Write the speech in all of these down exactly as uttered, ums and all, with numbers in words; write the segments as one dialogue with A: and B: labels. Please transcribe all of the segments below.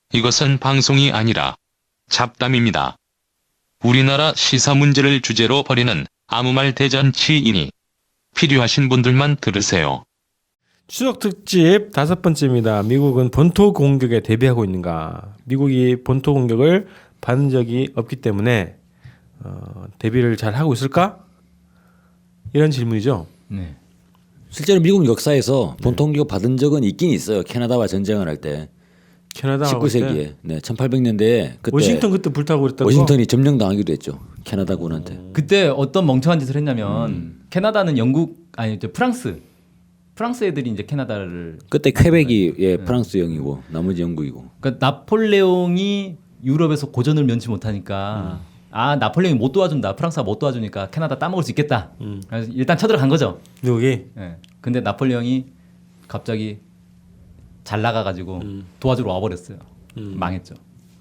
A: 이것은 방송이 아니라 잡담입니다. 우리나라 시사 문제를 주제로 벌이는 아무 말 대잔치이니 필요하신 분들만 들으세요.
B: 추석 특집 다섯 번째입니다. 미국은 본토 공격에 대비하고 있는가? 미국이 본토 공격을 받은 적이 없기 때문에 어, 대비를 잘 하고 있을까? 이런 질문이죠.
C: 네.
D: 실제로 미국 역사에서 본토 공격 받은 적은 있긴 있어요. 캐나다와 전쟁을 할 때.
B: 캐나다
D: 십구 세기에. 네, 천팔백 년대에 그때
B: 워싱턴 그때 불타고 그랬다고.
D: 워싱턴이 점령당하기도 했죠. 캐나다군한테.
C: 그때 어떤 멍청한 짓을 했냐면 음. 캐나다는 영국 아니 이제 프랑스 프랑스 애들이 이제 캐나다를
D: 그때 퀘벡이 예, 프랑스형이고 나머지 영국이고.
C: 그러니까 나폴레옹이 유럽에서 고전을 면치 못하니까 음. 아 나폴레옹이 못 도와준다 프랑스가 못 도와주니까 캐나다 따먹을 수 있겠다. 음. 그래서 일단 쳐들어간 거죠.
B: 미국이.
C: 예. 근데 나폴레옹이 갑자기 잘 나가가지고 음. 도와주러 와버렸어요. 음. 망했죠.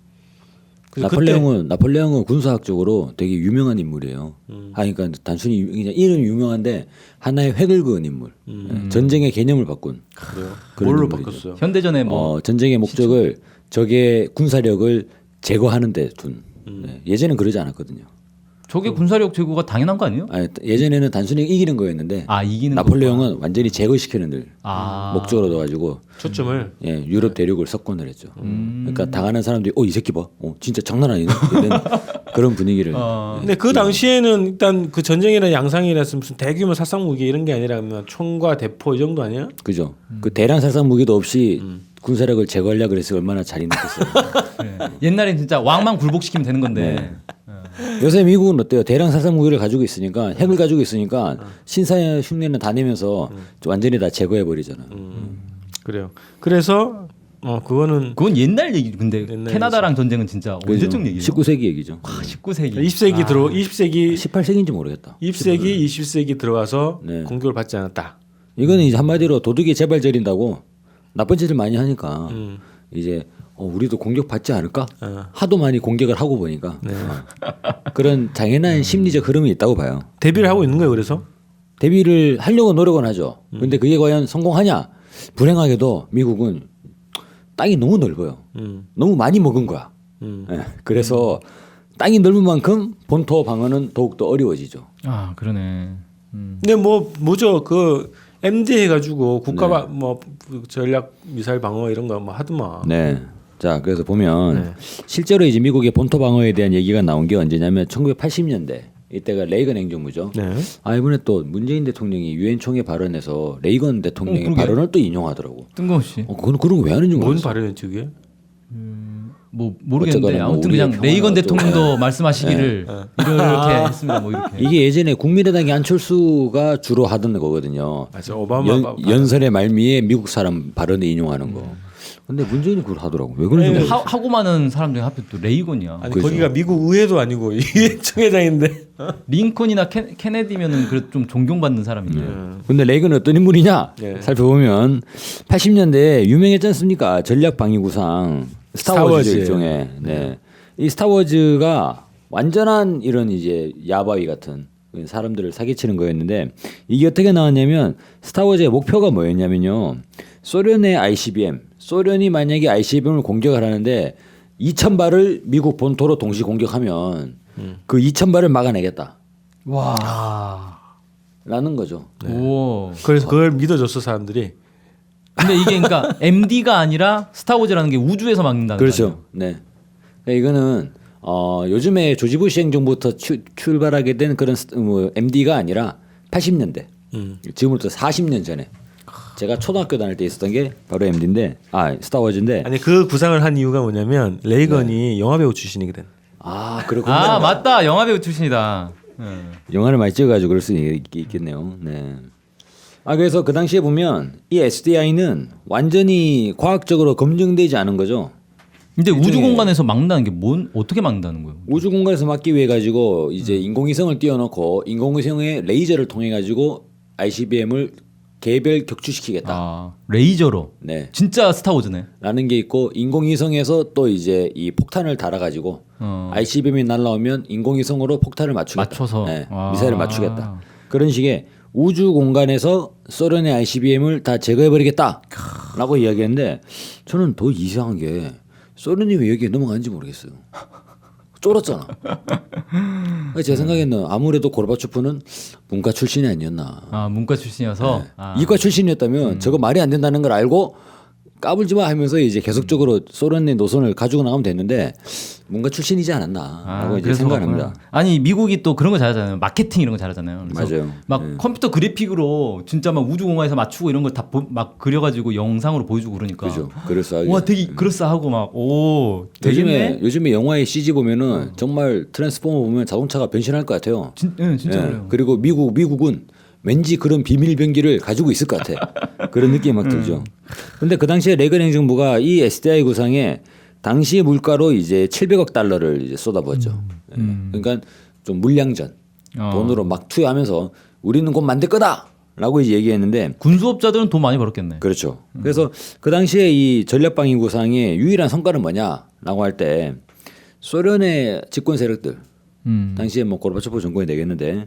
D: 나폴레옹은 그때... 나폴레옹은 군사학적으로 되게 유명한 인물이에요. 음. 아, 그러니까 단순히 그냥 이름이 유명한데 하나의 획을 그은 인물. 음. 네. 전쟁의 개념을 바꾼.
B: 그래요? 뭘로 바꿨어요?
C: 현대전에 뭐
D: 어, 전쟁의 목적을 시청... 적의 군사력을 제거하는 데 둔. 음. 네. 예전엔 그러지 않았거든요.
C: 적의 군사력 제거가 당연한 거 아니에요?
D: 아니, 예전에는 단순히 이기는 거였는데
C: 아, 이기는
D: 나폴레옹은
C: 거구나.
D: 완전히 제거시키는 데
C: 아.
D: 목적으로 둬가지고
B: 초점을
D: 예, 유럽 대륙을 석권을 했죠. 음. 그러니까 당하는 사람들이 어, 이 새끼 봐, 어, 진짜 장난 아니네 이런 그런 분위기를.
B: 어. 예. 근데 그 당시에는 일단 그 전쟁이나 양상이라서 무슨 대규모 살상 무기 이런 게 아니라 그냥 총과 대포 이 정도 아니야?
D: 그죠. 음. 그 대량 살상 무기도 없이 음. 군사력을 제거하려고 그래서 얼마나 잔인했겠어요.
C: 네. 옛날엔 진짜 왕만 굴복시키면 되는 건데.
D: 네. 요새 미국은 어때요? 대량 살상 무기를 가지고 있으니까 핵을 가지고 있으니까 신사의 흉내는 다 내면서 완전히 다 제거해 버리잖아.
B: 음, 그래요. 그래서 어 그거는
C: 그건 옛날 얘기. 근데 캐나다랑 전쟁은 진짜
D: 그렇죠.
C: 언제적 얘기예요?
D: 십구 세기 얘기죠.
C: 와, 십구 세기.
B: 이십 세기
C: 아.
B: 들어 이십 세기
D: 십팔 세기인지 모르겠다.
B: 이십 세기 이십 세기 들어가서 네. 공격을 받지 않았다.
D: 이거는 이제 한마디로 도둑이 재발 저린다고 나쁜 짓을 많이 하니까 음. 이제 어, 우리도 공격 받지 않을까? 어. 하도 많이 공격을 하고 보니까 네. 어. 그런 당연한 음. 심리적 흐름이 있다고 봐요.
B: 대비를 하고 있는 거예요, 그래서?
D: 대비를 하려고 노력은 하죠. 음. 근데 그게 과연 성공하냐? 불행하게도 미국은 땅이 너무 넓어요. 음. 너무 많이 먹은 거야. 음. 네. 그래서 음. 땅이 넓은 만큼 본토 방어는 더욱더 어려워지죠.
C: 아, 그러네.
B: 음. 근데 뭐 뭐죠? 그 엠디 해가지고 국가 네. 뭐 전략 미사일 방어 이런 거 뭐 하더만.
D: 네. 자, 그래서 보면 네. 실제로 이제 미국의 본토 방어에 대한 얘기가 나온 게 언제냐면 천구백팔십 년대 이때가 레이건 행정부죠. 네. 아 이번에 또 문재인 대통령이 유엔 총회 발언에서 레이건 대통령의 어, 발언을 또 인용하더라고.
C: 뜬금없이.
D: 어, 그건 그런 거 왜 하는지 모르겠어.
B: 뭔 발언이었지 그게?
C: 음, 뭐 모르겠는데 아무튼 그냥 레이건 대통령도 말씀하시기를 네. 이렇게 했습니다. 뭐 이렇게.
D: 이게 예전에 국민의당의 안철수가 주로 하던 거거든요.
B: 맞아, 오바마
D: 연, 연설의 말미에 미국 사람 발언을 인용하는 거. 음. 근데 문재인이 그걸 하더라고. 왜 그런지 모르겠어.
C: 하고 많은 사람 중에 하필 또 레이건이야.
B: 아니 그렇죠. 거기가 미국 의회도 아니고 유엔 총회장인데.
C: 링컨이나 케, 케네디면은 그래도 좀 존경받는 사람인데.
D: 음. 근데 레이건은 어떤 인물이냐? 네. 살펴보면 팔십 년대에 유명했지 않습니까? 전략 방위구상 스타워즈 일종의. 네. 이 스타워즈가 완전한 이런 이제 야바위 같은 사람들을 사기치는 거였는데 이게 어떻게 나왔냐면 스타워즈의 목표가 뭐였냐면요. 소련의 아이씨비엠, 소련이 만약에 아이씨비엠을 공격을 하는데 이천 발을 미국 본토로 동시 공격하면 음. 그 이천 발을 막아내겠다.
C: 와.
D: 라는 거죠.
B: 네. 오. 그래서 그걸 믿어줬어 사람들이.
C: 근데 이게 그러니까 엠디가 아니라 스타워즈라는 게 우주에서 막는다는 거죠.
D: 그렇죠. 네. 그러니까 이거는 어, 요즘에 조지 부시 행정부터 추, 출발하게 된 그런 뭐 엠디가 아니라 팔십 년대. 음. 지금부터 사십 년 전에. 제가 초등학교 다닐 때 있었던 게 바로 엠디인데, 아 스타워즈인데.
B: 아니 그 구상을 한 이유가 뭐냐면 레이건이 네. 영화 배우 출신이거든.
D: 아 그렇군요.
C: 아 맞다, 영화 배우 출신이다. 네.
D: 영화를 많이 찍어가지고 그럴 수 있겠네요. 네. 아 그래서 그 당시에 보면 이 에스디아이는 완전히 과학적으로 검증되지 않은 거죠.
C: 근데 우주 공간에서 막는다는 게 뭔 어떻게 막는다는 거예요?
D: 우주 공간에서 막기 위해 가지고 이제 음. 인공위성을 띄워놓고 인공위성의 레이저를 통해 가지고 아이씨비엠을 개별 격추시키겠다.
C: 아, 레이저로.
D: 네.
C: 진짜 스타워즈네.
D: 라는 게 있고 인공위성에서 또 이제 이 폭탄을 달아가지고 어. 아이씨비엠이 날라오면 인공위성으로 폭탄을 맞추겠다.
C: 맞춰서.
D: 네. 미사일을 맞추겠다. 그런 식의 우주 공간에서 소련의 아이씨비엠을 다 제거해버리겠다라고 이야기했는데 저는 더 이상한 게 소련이 왜 여기에 넘어가는지 모르겠어요. 쫄았잖아. 그러니까 제 생각에는 아무래도 고르바초프는 문과 출신이 아니었나.
C: 아 문과 출신이어서
D: 네.
C: 아.
D: 이과 출신이었다면
C: 음.
D: 저거 말이 안 된다는 걸 알고 까불지 마 하면서 이제 계속적으로 소련의 노선을 가지고 나가면 됐는데 문과 출신이지 않았나라고 이제
C: 그래서
D: 생각합니다.
C: 그렇구나. 아니 미국이 또 그런 거 잘하잖아요. 마케팅 이런 거 잘하잖아요. 그래서
D: 맞아요.
C: 막
D: 네.
C: 컴퓨터 그래픽으로 진짜 막 우주공항에서 맞추고 이런 걸 다 막 그려가지고 영상으로 보여주고 그러니까.
D: 그죠. 그럴싸하게.
C: 와 되게 그럴싸하고 막 오
D: 요즘에
C: 되겠네.
D: 요즘에 영화의 씨지 보면은 정말 트랜스포머 보면 자동차가 변신할 것 같아요.
C: 진, 네, 진짜
D: 예.
C: 그래요.
D: 그리고 미국 미국은 왠지 그런 비밀 병기를 가지고 있을 것 같아. 그런 느낌이 막 들죠. 근데 그 당시에 레건 행정부가 이 에스디아이 구상에 당시 물가로 이제 칠백억 달러를 이제 쏟아부었죠. 예. 그러니까 좀 물량전
C: 어.
D: 돈으로 막 투여하면서 우리는 곧 만들 거다라고 이제 얘기했는데
C: 군수업자들은 돈 많이 벌었겠네.
D: 그렇죠. 그래서 그 당시에 이 전략방위 구상의 유일한 성과는 뭐냐라고 할 때 소련의 집권 세력들
C: 음.
D: 당시에 뭐 고르바초프 정권이 되겠는데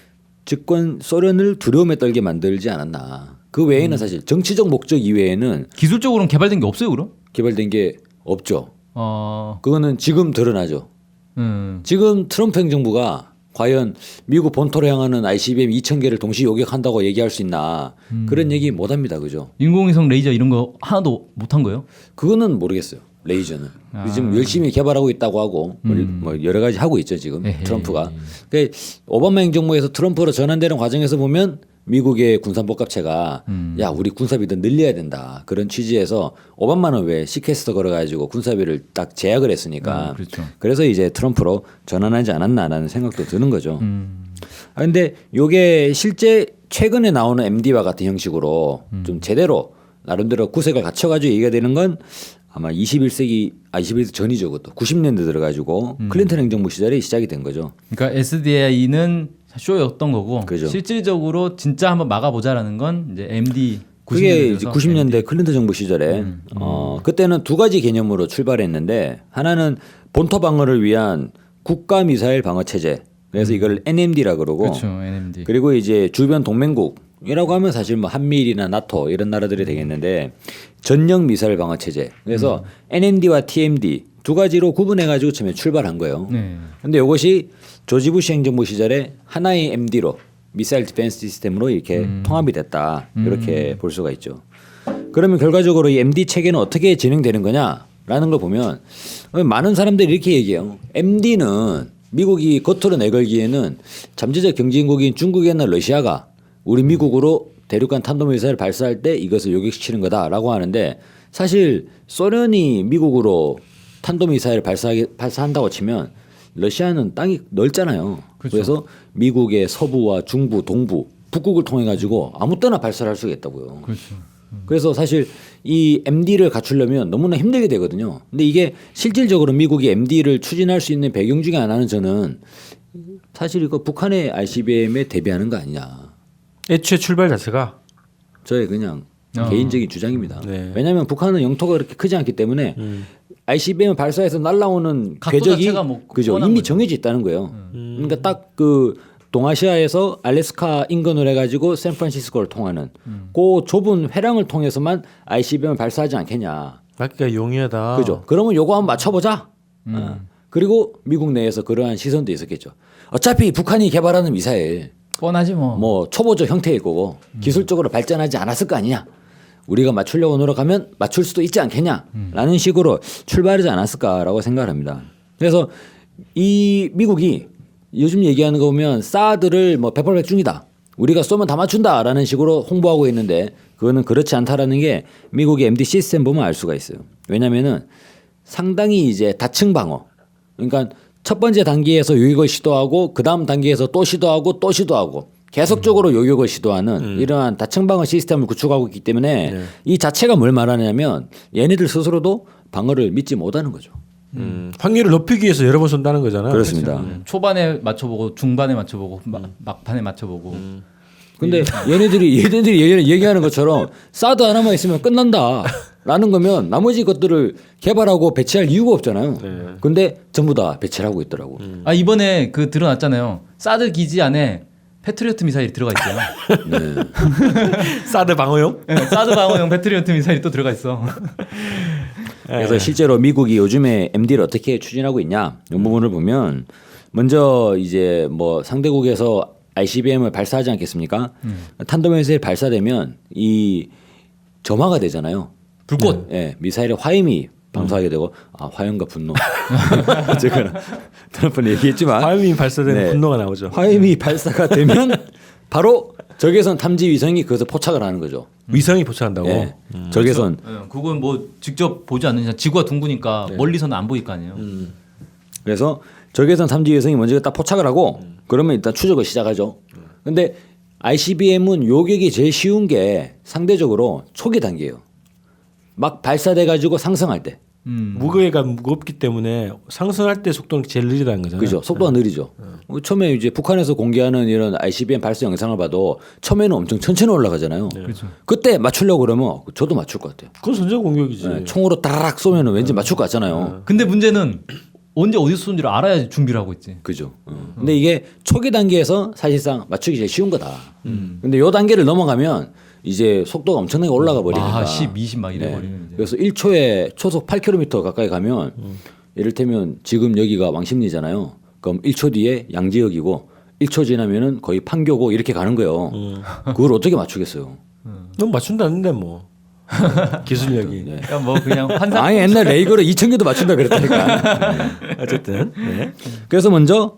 D: 집권 소련을 두려움에 떨게 만들지 않았나. 그 외에는 사실 정치적 목적 이외에는
C: 기술적으로는 개발된 게 없어요, 그럼?
D: 개발된 게 없죠.
C: 어,
D: 그거는 지금 드러나죠.
C: 음,
D: 지금 트럼프 행정부가 과연 미국 본토로 향하는 아이씨비엠 이천 개를 동시 요격한다고 얘기할 수 있나. 그런 얘기 못 합니다. 그죠?
C: 인공위성 레이저 이런 거 하나도 못 한 거예요?
D: 그거는 모르겠어요. 레이저는
C: 아.
D: 지금 열심히 개발하고 있다고 하고 뭐
C: 음.
D: 뭐 여러 가지 하고 있죠 지금
C: 에헤이.
D: 트럼프가. 그러니까 오바마 행정부에서 트럼프로 전환되는 과정에서 보면 미국의 군산복합체가
C: 음.
D: 야 우리 군사비 더 늘려야 된다 그런 취지에서 오바마는 왜 시퀘스터 걸어가지고 군사비를 딱 제약을 했으니까
C: 음, 그렇죠.
D: 그래서 이제 트럼프로 전환하지 않았나라는 생각도 드는 거죠.
C: 음,
D: 아 근데 요게 실제 최근에 나오는 엠디와 같은 형식으로
C: 음.
D: 좀 제대로 나름대로 구색을 갖춰가지고 얘기가 되는 건 아마 이십일 세기 아 이십일 세기 전이죠. 그것도 구십 년대 들어가지고
C: 음.
D: 클린턴 행정부 시절에 시작이 된 거죠.
C: 그러니까 에스디아이는 쇼였던 거고
D: 그죠.
C: 실질적으로 진짜 한번 막아보자라는 건 이제 엠디
D: 그게 이제 구십 년대 클린턴 정부 시절에 어 그때는 두 가지 개념으로 출발했는데 하나는 본토 방어를 위한 국가 미사일 방어 체제. 그래서 이걸 엔엠디라 그러고
C: 그렇죠, 엔엠디.
D: 그리고 이제 주변 동맹국이라고 하면 사실 뭐 한미일이나 나토 이런 나라들이 되겠는데 전력 미사일 방어 체제. 그래서 엔엠디와 티엠디 두 가지로 구분해 가지고 처음에 출발한 거예요.
C: 네.
D: 근데 이것이 조지 부시 행정부 시절에 하나의 엠디로 미사일 디펜스 시스템으로 이렇게
C: 음.
D: 통합이 됐다. 이렇게 볼 수가 있죠. 그러면 결과적으로 이 엠디 체계는 어떻게 진행되는 거냐라는 걸 보면 많은 사람들이 이렇게 얘기해요. 엠디는 미국이 겉으로 내걸기에는 잠재적 경쟁국인 중국이나 러시아가 우리 미국으로 대륙간 탄도미사일을 발사할 때 이것을 요격시키는 거다라고 하는데 사실 소련이 미국으로 탄도미사일을 발사하게, 발사한다고 치면 러시아는 땅이 넓잖아요.
C: 그렇죠.
D: 그래서 미국의 서부와 중부, 동부, 북극을 통해 가지고 아무 때나 발사를 할 수가 있다고요.
C: 그렇죠.
D: 그래서 사실 이 엠디를 갖추려면 너무나 힘들게 되거든요. 근데 이게 실질적으로 미국이 엠디를 추진할 수 있는 배경 중에 하나는 저는 사실 이거 북한의 아이씨비엠에 대비하는 거 아니냐.
B: 애초에 출발 자체가
D: 저의 그냥
C: 어.
D: 개인적인 주장입니다.
B: 네.
D: 왜냐하면 북한은 영토가 그렇게 크지 않기 때문에
B: 음.
D: 아이씨비엠을 발사해서 날라오는
C: 각도
D: 궤적이
C: 자체가 뭐
D: 그죠
C: 뻔한
D: 이미
C: 거죠.
D: 정해져 있다는 거예요.
B: 음.
D: 그러니까 딱 그 동아시아에서 알래스카 인근을 해가지고 샌프란시스코를 통하는
C: 음.
D: 그 좁은 회랑을 통해서만 아이씨비엠을 발사하지 않겠냐.
B: 맞기가 용이하다.
D: 그죠? 그러면 요거 한번 맞춰보자.
C: 음.
D: 어. 그리고 미국 내에서 그러한 시선도 있었겠죠. 어차피 북한이 개발하는 미사일
C: 뻔하지 뭐.
D: 뭐 초보적 형태일 거고 기술적으로 발전하지 않았을 거 아니냐. 우리가 맞추려고 노력하면 맞출 수도 있지 않겠냐라는 식으로 출발하지 않았을까라고 생각을 합니다. 그래서 이 미국이 요즘 얘기하는 거 보면 사드를 뭐 백발백중이다. 우리가 쏘면 다 맞춘다라는 식으로 홍보하고 있는데 그거는 그렇지 않다라는 게 미국의 엠디 시스템 보면 알 수가 있어요. 왜냐면은 상당히 이제 다층 방어. 그러니까 첫 번째 단계에서 요격을 시도하고 그 다음 단계에서 또 시도하고 또 시도하고 계속적으로 요격을 시도하는
B: 음.
D: 이러한 다층 방어 시스템을 구축하고 있기 때문에
B: 네.
D: 이 자체가 뭘 말하냐면 얘네들 스스로도 방어를 믿지 못하는 거죠.
B: 음. 확률을 높이기 위해서 여러 번 쏜다는 거잖아요.
D: 그렇습니다.
C: 음. 초반에 맞춰보고 중반에 맞춰보고 막, 막판에 맞춰보고.
D: 근데 얘네들이 얘네들이 얘기- 얘기하는 것처럼 사드 하나만 있으면 끝난다라는 거면 나머지 것들을 개발하고 배치할 이유가 없잖아요.
B: 네.
D: 근데 전부 다 배치를 하고 있더라고.
C: 아 이번에 그 드러났잖아요. 사드 기지 안에 패트리어트 미사일이 들어가 있어요.
D: 네.
B: 사드 방어용?
C: 네, 사드 방어용 패트리어트 미사일이 또 들어가 있어.
D: 그래서
B: 예.
D: 실제로 미국이 요즘에 엠디를 어떻게 추진하고 있냐 이 부분을 보면 먼저 이제 뭐 상대국에서 아이씨비엠을 발사하지 않겠습니까?
C: 음.
D: 탄도미사일 발사되면 이 점화가 되잖아요.
C: 불꽃.
D: 예, 미사일의 화염이 방사하게 되고 아 화염과 분노. 어쨌거나 트럼프는 얘기했지만
B: 화염이 발사되는
D: 네.
B: 분노가 나오죠.
D: 화염이 발사가 되면 바로 적외선 탐지 위성이 그것을 포착을 하는 거죠.
B: 위성이 포착한다고.
D: 예, 적외선.
C: 예, 그건 뭐 직접 보지 않는 이상 지구가 둥그니까 멀리서는 안 보일 거 아니에요.
D: 그래서 적외선 탐지 위성이 먼저 딱 포착을 하고 그러면 일단 추적을 시작하죠. 근데 아이씨비엠은 요격이 제일 쉬운 게 상대적으로 초기 단계예요. 막 발사돼 가지고 상승할 때.
C: 음.
B: 무게가 무겁기 때문에 상승할 때 속도는 제일 느리다는 거잖아요.
D: 그죠. 속도가 느리죠. 처음에 이제 북한에서 공개하는 이런 아이씨비엠 발사 영상을 봐도 처음에는 엄청 천천히 올라가잖아요.
C: 그렇죠.
D: 그때 맞추려고 그러면 저도 맞출 것 같아요.
B: 그건 선제 공격이지.
D: 네, 총으로 따라락 쏘면 왠지 맞출 것 같잖아요.
C: 근데 문제는 언제 어디서 쏜지를 알아야 준비를 하고 있지.
D: 그죠. 어. 근데 이게 초기 단계에서 사실상 맞추기 제일 쉬운 거다. 근데 요 단계를 넘어가면 이제 속도가 엄청나게 올라가 버리니까.
C: 아, 십, 이십 막 이래
D: 네.
C: 버리는 이제.
D: 그래서 일 초에 초속 팔 킬로미터 가까이 가면 이를테면 지금 여기가 왕십리잖아요. 그럼 일 초 뒤에 양지역이고 일 초 지나면은 거의 판교고 이렇게 가는 거예요. 그걸 어떻게 맞추겠어요?
B: 넌 맞춘다는데 뭐 기술력이.
D: 네.
C: 그러니까 뭐 그냥 환상.
D: 아니 옛날 레이거를 이천 개도 맞춘다 그랬다니까.
B: 어쨌든. 네.
D: 그래서 먼저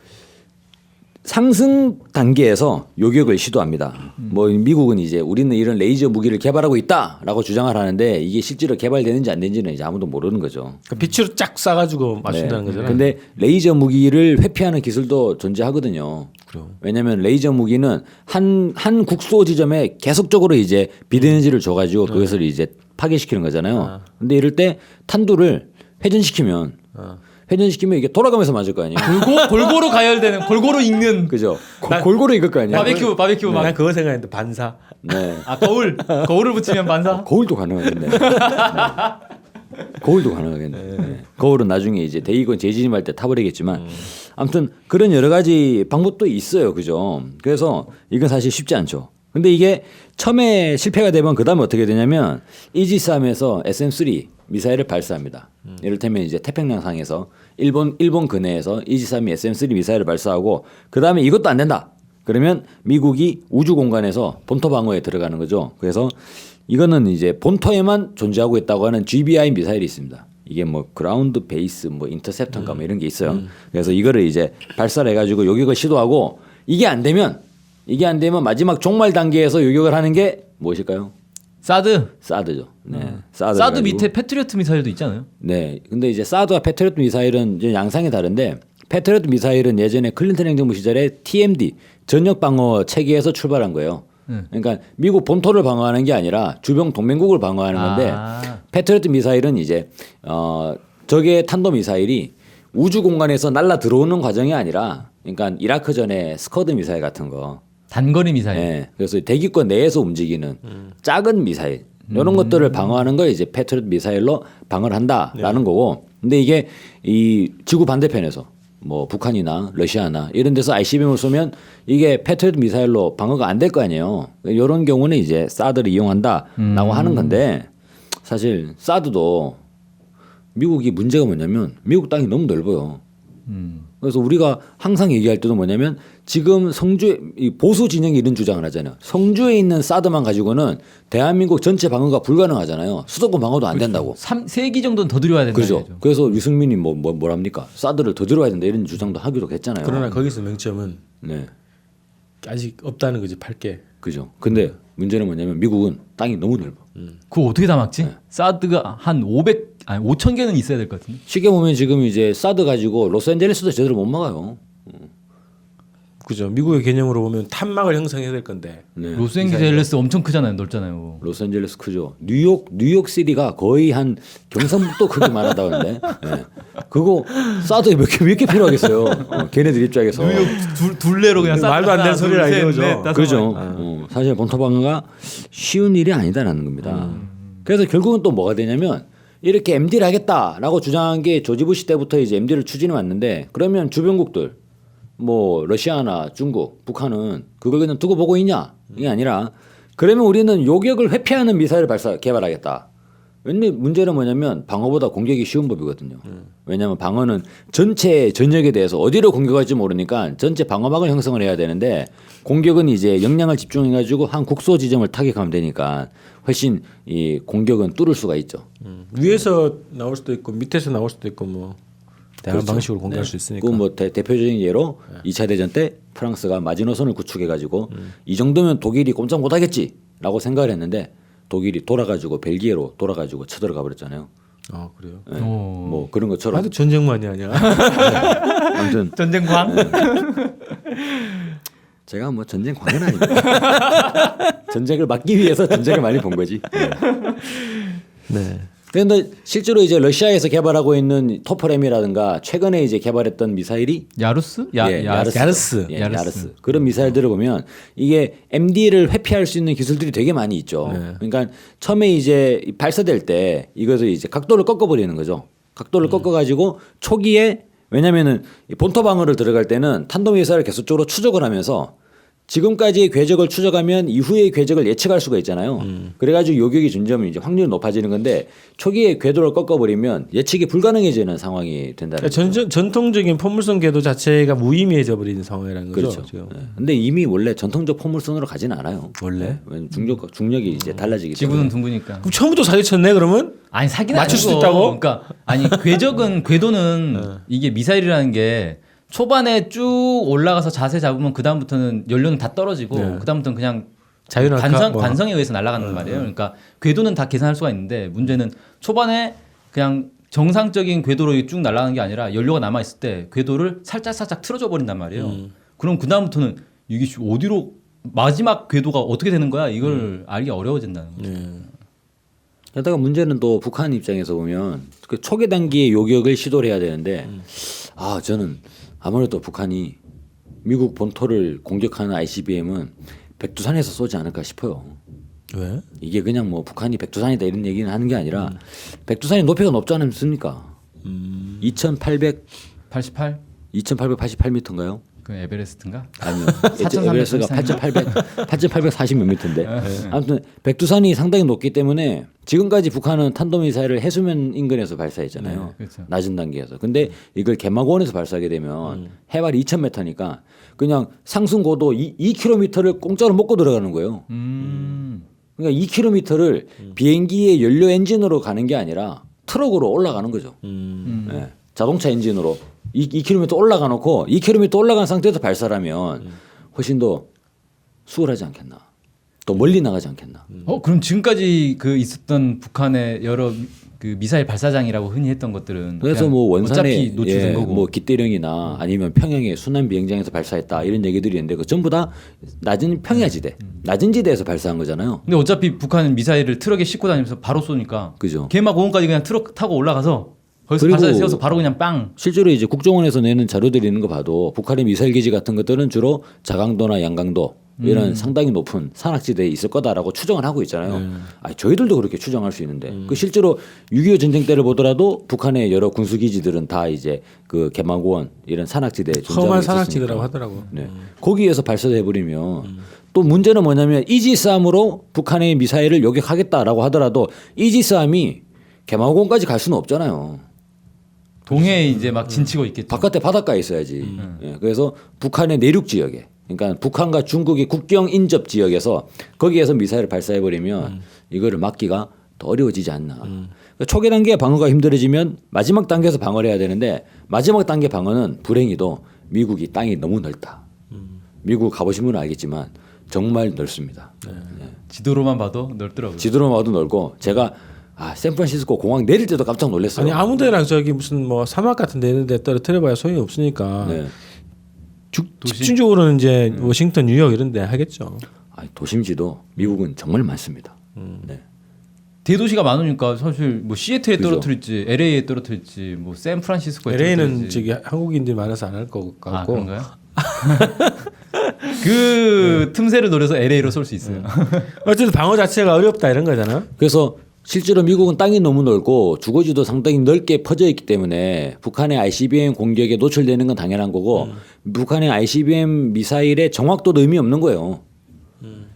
D: 상승 단계에서 요격을 시도합니다. 뭐 미국은 이제 우리는 이런 레이저 무기를 개발하고 있다라고 주장을 하는데 이게 실제로 개발되는지 안 되는지는 이제 아무도 모르는 거죠.
B: 그러니까 빛으로 쫙 쏴가지고 맞춘다는
D: 네.
B: 거잖아요.
D: 근데 레이저 무기를 회피하는 기술도 존재하거든요.
B: 그래요.
D: 왜냐하면 레이저 무기는 한 한 국소 지점에 계속적으로 이제 비대너지를 줘가지고 그것을 이제 파괴시키는 거잖아요. 근데 이럴 때 탄두를 회전시키면 회전시키면 이게 돌아가면서 맞을 거 아니에요.
C: 골고, 골고루 가열되는 골고루 익는
D: 그죠? 고- 골고루 익을 거 아니에요.
C: 바베큐 바베큐 막.
B: 난 그거 생각했는데 반사.
D: 네.
C: 아 거울 거울을 붙이면 반사.
D: 거울도 가능하겠네. 네. 거울도 가능하겠네. 네. 거울은 나중에 이제 대이건 재진입할 때 타버리겠지만 아무튼 그런 여러 가지 방법도 있어요. 그죠? 그래서 이건 사실 쉽지 않죠. 근데 이게 처음에 실패가 되면 그다음에 어떻게 되냐면 이지스함에서 에스엠 쓰리 미사일을 발사합니다. 이를테면 이제 태평양상에서 일본 일본 근해에서 이지스함이 에스엠 쓰리 미사일을 발사하고 그다음에 이것도 안 된다. 그러면 미국이 우주 공간에서 본토 방어에 들어가는 거죠. 그래서 이거는 이제 본토에만 존재하고 있다고 하는 지비아이 미사일이 있습니다. 이게 뭐 그라운드 베이스 뭐 인터셉터인가 뭐 이런 게 있어요. 그래서 이거를 이제 발사를 해가지고 요격을 시도하고 이게 안 되면 이게 안 되면 마지막 종말 단계에서 요격을 하는 게 무엇일까요?
C: 사드.
D: 사드죠. 네.
C: 음.
D: 사드,
C: 사드
D: 해가지고.
C: 밑에 패트리어트 미사일도 있잖아요.
D: 네. 근데 이제 사드와 패트리어트 미사일은 이제 양상이 다른데 패트리어트 미사일은 예전에 클린턴 행정부 시절에 티엠디 전역 방어 체계에서 출발한 거예요.
C: 음.
D: 그러니까 미국 본토를 방어하는 게 아니라 주변 동맹국을 방어하는 건데
C: 아.
D: 패트리어트 미사일은 이제 어 적의 탄도 미사일이 우주 공간에서 날라 들어오는 과정이 아니라 그러니까 이라크 전에 스커드 미사일 같은 거.
C: 단거리 미사일.
D: 네. 그래서 대기권 내에서 움직이는 작은 미사일 이런
C: 음.
D: 것들을 방어하는 걸 이제 패트리어트 미사일로 방어를 한다라는 거고. 근데 이게 이 지구 반대편에서 뭐 북한이나 러시아나 이런 데서 아이씨비엠을 쏘면 이게 패트리어트 미사일로 방어가 안 될 거 아니에요. 이런 경우는 이제 사드를 이용한다라고
C: 음.
D: 하는 건데 사실 사드도 미국이 문제가 뭐냐면 미국 땅이 너무 넓어요.
C: 음.
D: 그래서 우리가 항상 얘기할 때도 뭐냐면 지금 성주 이 보수 진영이 이런 주장을 하잖아요. 성주에 있는 사드만 가지고는 대한민국 전체 방어가 불가능하잖아요. 수도권 방어도 안 된다고.
C: 삼, 세 기 정도는 더 들여야 된다.
D: 그렇죠.
C: 이거죠.
D: 그래서 유승민이 뭐, 뭐 뭐랍니까? 사드를 더 들어야 된다 이런 주장도 하기도 했잖아요.
B: 그러나 거기서 명점은
D: 네,
B: 아직 없다는 거지 팔게.
D: 그죠. 근데 문제는 뭐냐면 미국은 땅이 너무 넓어.
C: 그거 어떻게 다 막지?
D: 네.
C: 사드가 한 오백 아니 오천 개는 있어야 될 것 같은데.
D: 쉽게 보면 지금 이제 사드 가지고 로스앤젤레스도 제대로 못 막아요.
B: 그죠. 미국의 개념으로 보면 탄막을 형성해야 될 건데.
D: 네.
C: 로스앤젤레스 엄청 크잖아요. 넓잖아요.
D: 로스앤젤레스 크죠. 뉴욕 뉴욕 시티가 거의 한 경상북도 크기만 하다는데. 네. 그거 사드에 몇 개 몇 개 필요하겠어요. 어, 걔네들 입장에서.
C: 뉴욕 둘, 둘레로 그냥 사드
B: 말도 안 되는
C: 하나,
B: 소리를
C: 둘, 셋,
B: 이거죠.
C: 넷, 다섯
D: 그죠.
C: 마리.
D: 어, 사실 본토 방어가 쉬운 일이 아니다라는 겁니다. 그래서 결국은 또 뭐가 되냐면 이렇게 엠디를 하겠다라고 주장한 게 조지 부시 때부터 이제 엠디를 추진해 왔는데 그러면 주변국들 뭐 러시아나 중국, 북한은 그걸 그냥 두고 보고 있냐? 이게 아니라 그러면 우리는 요격을 회피하는 미사일을 발사 개발하겠다. 근데 문제는 뭐냐면 방어보다 공격이 쉬운 법이거든요.
B: 음.
D: 왜냐하면 방어는 전체 전역에 대해서 어디로 공격할지 모르니까 전체 방어막을 형성을 해야 되는데 공격은 이제 역량을 집중해가지고 한 국소 지점을 타격하면 되니까 훨씬 이 공격은 뚫을 수가 있죠.
B: 음. 위에서 나올 수도 있고 밑에서 나올 수도 있고 뭐 다양한
D: 그렇죠.
B: 방식으로 공격할 수 있으니까.
D: 그 뭐 대표적인 예로 이 차 대전 때 프랑스가 마지노선을 구축해가지고
B: 음.
D: 이 정도면 독일이 꼼짝 못하겠지라고 생각을 했는데 독일이 돌아가지고 벨기에로 돌아가지고 쳐들어가 버렸잖아요.
B: 아 그래요.
D: 네.
C: 오.
D: 뭐 그런 것처럼
B: 아주 전쟁만이 아니야.
D: 아무튼
C: 전쟁광.
D: 제가 뭐 전쟁 광은 아닙니다. 전쟁을 막기 위해서 전쟁을 많이 본 거지. 네.
B: 네.
D: 그런데 실제로 이제 러시아에서 개발하고 있는 토퍼램이라든가 최근에 이제 개발했던 미사일이
C: 야루스? 야,
D: 예,
C: 야,
D: 야르스.
B: 야르스.
D: 예,
C: 야르스.
D: 야르스. 그런 미사일들을 보면 이게 엠디를 회피할 수 있는 기술들이 되게 많이 있죠.
B: 네.
D: 그러니까 처음에 이제 발사될 때 이것을 이제 각도를 꺾어버리는 거죠. 각도를 꺾어가지고 초기에 왜냐면은 이 본토 방어를 들어갈 때는 탄도미사일을 계속적으로 추적을 하면서 지금까지의 궤적을 추적하면 이후의 궤적을 예측할 수가 있잖아요.
B: 음.
D: 그래가지고 요격이 점점 이제 확률이 높아지는 건데 초기에 궤도를 꺾어버리면 예측이 불가능해지는 상황이 된다는
B: 그러니까
D: 거죠.
B: 전, 전통적인 포물선 궤도 자체가 무의미해져 버리는 상황이라는 거죠.
D: 그렇죠.
B: 지금.
D: 네. 근데 이미 원래 전통적 포물선으로 가지는 않아요.
B: 원래?
D: 왜냐면 중력 중력이 이제 달라지기
C: 지구는
D: 때문에.
C: 둥그니까.
B: 그럼 처음부터 사기쳤네 그러면?
C: 아니 사기는
B: 맞출
C: 아니고.
B: 수 있다고?
C: 그러니까 아니 궤적은 궤도는 이게 미사일이라는 게 초반에 쭉 올라가서 자세 잡으면 그 다음부터는 연료는 다 떨어지고
B: 네.
C: 그 다음부터는 그냥
B: 자유낙하
C: 관성
B: 뭐.
C: 관성에 의해서 날아가는 말이에요. 그러니까 궤도는 다 계산할 수가 있는데 문제는 초반에 그냥 정상적인 궤도로 쭉 날아가는 게 아니라 연료가 남아 있을 때 궤도를 살짝 살짝 틀어져 버린단 말이에요. 그럼 그 다음부터는 이게 어디로 마지막 궤도가 어떻게 되는 거야? 이걸 알기 어려워진다는 거죠.
B: 네.
D: 게다가 문제는 또 북한 입장에서 보면 그 초기 단계의 요격을 시도를 해야 되는데 아 저는 아무래도 북한이 미국 본토를 공격하는 아이씨비엠은 백두산에서 쏘지 않을까 싶어요.
B: 왜?
D: 이게 그냥 뭐 북한이 백두산이다 이런 얘기는 하는 게 아니라 백두산이 높이가 높지 않습니까?
B: 음.
D: 이천팔백
C: 팔십팔?
D: 이천팔백팔십팔 미터인가요?
C: 그 에베레스트인가?
D: 아니요.
C: 사천삼백
D: 에베레스트가 팔천팔백 팔천팔백사십 몇 미터인데. 아무튼 백두산이 상당히 높기 때문에 지금까지 북한은 탄도미사일을 해수면 인근에서 발사했잖아요.
C: 네, 그렇죠.
D: 낮은 단계에서. 근데 이걸 개마고원에서 발사하게 되면 해발이 이천 미터니까 그냥 상승 고도 이 킬로미터를 공짜로 먹고 들어가는 거예요.
C: 음.
D: 그러니까 이 킬로미터를 비행기의 연료 엔진으로 가는 게 아니라 트럭으로 올라가는 거죠.
B: 음.
D: 예, 자동차 엔진으로 이, 이 킬로미터 올라가 놓고 이 킬로미터 올라간 상태에서 발사를 하면 훨씬 더 수월하지 않겠나. 또 멀리 나가지 않겠나.
C: 어 그럼 지금까지 그 있었던 북한의 여러 그 미사일 발사장이라고 흔히 했던 것들은
D: 그래서
C: 그냥
D: 뭐 원산에
C: 어차피 노출된
D: 예,
C: 거고
D: 뭐 기대령이나 아니면 평양의 순환 비행장에서 발사했다 이런 얘기들이 있는데 그 전부 다 낮은 평야지대, 낮은 지대에서 발사한 거잖아요.
C: 근데 어차피 북한은 미사일을 트럭에 싣고 다니면서 바로 쏘니까
D: 그죠.
C: 개막 오원까지 그냥 트럭 타고 올라가서 거기서
D: 그리고
C: 발사대 세워서 바로 그냥 빵.
D: 실제로 이제 국정원에서 내는 자료들이 있는 거 봐도 북한의 미사일 기지 같은 것들은 주로 자강도나 양강도 이런
C: 음.
D: 상당히 높은 산악지대에 있을 거다라고 추정을 하고 있잖아요.
C: 네.
D: 아니, 저희들도 그렇게 추정할 수 있는데
C: 음.
D: 그 실제로 육이오 전쟁 때를 보더라도 북한의 여러 군수 기지들은 다 이제 그 개마고원 이런 산악지대에 존재하고
B: 험한
D: 있었으니까.
B: 산악지대라고 하더라고.
D: 네. 거기에서 발사해 버리면 또 문제는 뭐냐면 이지스함으로 북한의 미사일을 요격하겠다라고 하더라도 이지스함이 개마고원까지 갈 수는 없잖아요.
C: 동해에 이제 막 진치고 있겠죠.
D: 바깥에 바닷가에 있어야지. 예, 그래서 북한의 내륙 지역에, 그러니까 북한과 중국의 국경 인접 지역에서 거기에서 미사일을 발사해 버리면 이거를 막기가 더 어려워지지 않나. 그러니까 초기 단계 방어가 힘들어지면 마지막 단계에서 방어를 해야 되는데 마지막 단계 방어는 불행히도 미국이 땅이 너무 넓다. 미국 가보신 분은 알겠지만 정말 넓습니다. 예.
C: 지도로만 봐도 넓더라고요.
D: 지도로만 봐도 넓고 제가 아 샌프란시스코 공항 내릴 때도 깜짝 놀랐어요.
B: 아니 아무데나 저기 무슨 뭐 사막 같은 데 있는데 떨어뜨려봐야 소용이 없으니까
D: 네.
B: 주, 집중적으로는 이제 워싱턴, 뉴욕 이런 데 하겠죠.
D: 아니, 도심지도 미국은 정말 많습니다. 네.
C: 대도시가 많으니까 사실 뭐 시애틀에
D: 그죠.
C: 떨어뜨릴지 엘에이에 떨어뜨릴지 뭐 샌프란시스코에
B: 엘에이는
C: 떨어뜨릴지.
B: 저기 한국인들이 많아서 안 할 것
C: 아
B: 같고.
C: 그런가요? 그 틈새를 노려서 엘에이로 쏠 수 있어요.
B: 어쨌든 방어 자체가 어렵다 이런 거잖아.
D: 그래서 실제로 미국은 땅이 너무 넓고 주거지도 상당히 넓게 퍼져 있기 때문에 북한의 아이씨비엠 공격에 노출되는 건 당연한 거고 북한의 아이씨비엠 미사일의 정확도도 의미 없는 거예요.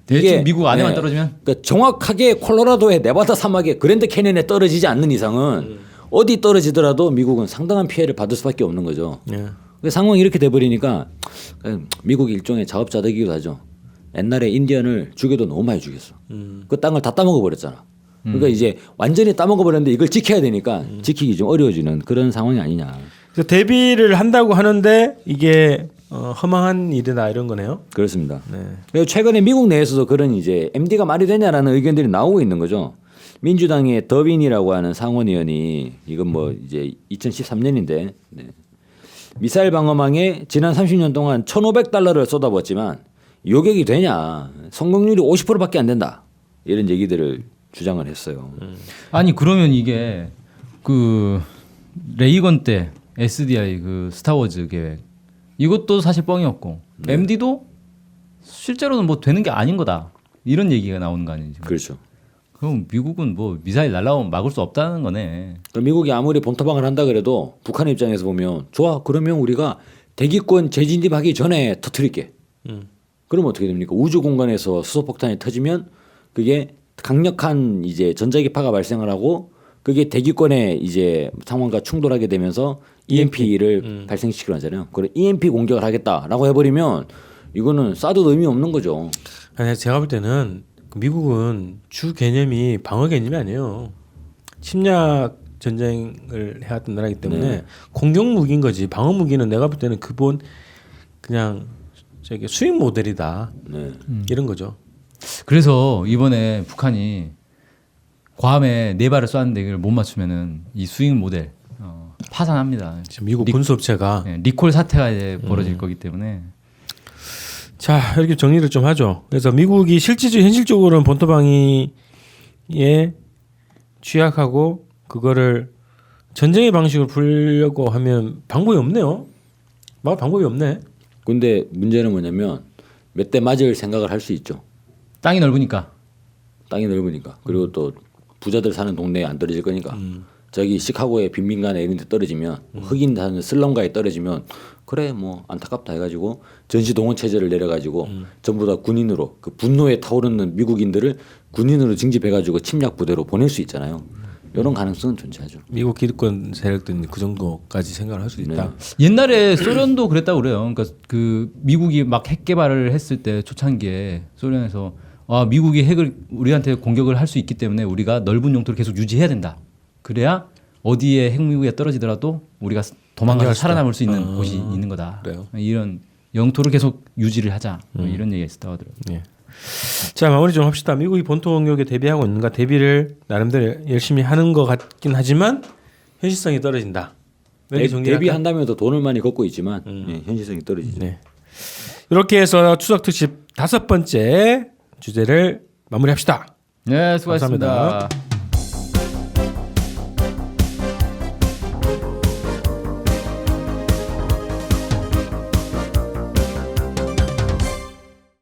C: 대충 미국 안에만
D: 네,
C: 떨어지면
D: 그러니까 정확하게 콜로라도의 네바다 사막의 그랜드 캐니언에 떨어지지 않는 이상은 음. 어디 떨어지더라도 미국은 상당한 피해를 받을 수밖에 없는 거죠.
B: 예.
D: 그 상황이 이렇게 돼버리니까 미국이 일종의 자업자득이기도 하죠. 옛날에 인디언을 죽여도 너무 많이 죽였어. 음. 그 땅을 다 따먹어 버렸잖아. 그러니까 음. 이제 완전히 따먹어 버렸는데 이걸 지켜야 되니까 음. 지키기 좀 어려워지는 그런 상황이 아니냐.
B: 그래서 대비를 한다고 하는데 이게 어, 허망한 일이다 이런 거네요.
D: 그렇습니다. 네. 그리고 최근에 미국 내에서도 그런 이제 엠디가 말이 되냐라는 의견들이 나오고 있는 거죠. 민주당의 더빈이라고 하는 상원의원이 이건 뭐 이제 이천십삼 년인데 네. 미사일 방어망에 지난 삼십 년 동안 천오백 달러를 쏟아부었지만 요격이 되냐? 성공률이 오십 퍼센트밖에 안 된다. 이런 얘기들을 주장을 했어요.
C: 음. 아니 그러면 이게 그 레이건 때 에스디아이 그 스타워즈 계획 이것도 사실 뻥이었고 네. 엠디도 실제로는 뭐 되는 게 아닌 거다. 이런 얘기가 나오는 거 아니에요? 지금?
D: 그렇죠.
C: 그럼 미국은 뭐 미사일 날라오면 막을 수 없다는 거네.
D: 그러니까 미국이 아무리 본토방을 한다 그래도 북한 입장에서 보면 좋아 그러면 우리가 대기권 재진입하기 전에 터뜨릴게. 음. 그러면 어떻게 됩니까? 우주 공간에서 수소폭탄이 터지면 그게 강력한 이제 전자기파가 발생을 하고 그게 대기권의 이제 상황과 충돌하게 되면서 이엠피를 음. 발생시키려 하잖아요. 그래 이엠피 공격을 하겠다라고 해버리면 이거는 쏴도 의미 없는 거죠.
B: 아니 제가 볼 때는 미국은 주 개념이 방어 개념이 아니에요. 침략 전쟁을 해왔던 나라이기 때문에 네. 공격 무기인 거지. 방어 무기는 내가 볼 때는 기본 그냥 저기 수익 모델이다. 네. 이런 거죠.
C: 그래서 이번에 북한이 괌에 네 발을 쐈는데 이걸 못 맞추면은 이 수익 모델 어, 파산합니다.
B: 미국 군수업체가
C: 네, 리콜 사태가 이제 벌어질 음. 거기 때문에.
B: 자 이렇게 정리를 좀 하죠. 그래서 미국이 실질적 현실적으로는 본토방위에 취약하고 그거를 전쟁의 방식으로 풀려고 하면 방법이 없네요. 막 방법이 없네.
D: 근데 문제는 뭐냐면 몇 대 맞을 생각을 할 수 있죠.
C: 땅이 넓으니까.
D: 땅이 넓으니까. 그리고 음. 또 부자들 사는 동네에 안 떨어질 거니까. 음. 저기 시카고의 빈민간에 이런 데 떨어지면 음. 흑인 사는 슬럼가에 떨어지면 그래 뭐 안타깝다 해가지고 전시동원 체제를 내려가지고 음. 전부 다 군인으로 그 분노에 타오르는 미국인들을 군인으로 징집해가지고 침략 부대로 보낼 수 있잖아요. 이런 가능성은 존재하죠.
B: 미국 기득권 세력들은 그 정도까지 생각을 할 수 있다. 네.
C: 옛날에 소련도 그랬다고 그래요. 그러니까 그 미국이 막 핵 개발을 했을 때 초창기에 소련에서 아 미국이 핵을 우리한테 공격을 할 수 있기 때문에 우리가 넓은 영토를 계속 유지해야 된다. 그래야 어디에 핵무기가 떨어지더라도 우리가 도망가서 살아남을 수 있는 아, 곳이 있는 거다.
B: 그래요?
C: 이런 영토를 계속 유지를 하자. 뭐 음. 이런 얘기가 있었다고 하더라고요.
B: 네. 자 마무리 좀 합시다. 미국이 본토 공격에 대비하고 있는가? 대비를 나름대로 열심히 하는 것 같긴 하지만 현실성이 떨어진다.
D: 대, 대비한다면서 돈을 많이 걷고 있지만 음. 네, 현실성이 떨어지죠.
B: 네. 이렇게 해서 추석 특집 다섯 번째 주제를 마무리합시다.
C: 네, 수고하셨습니다.
B: 감사합니다.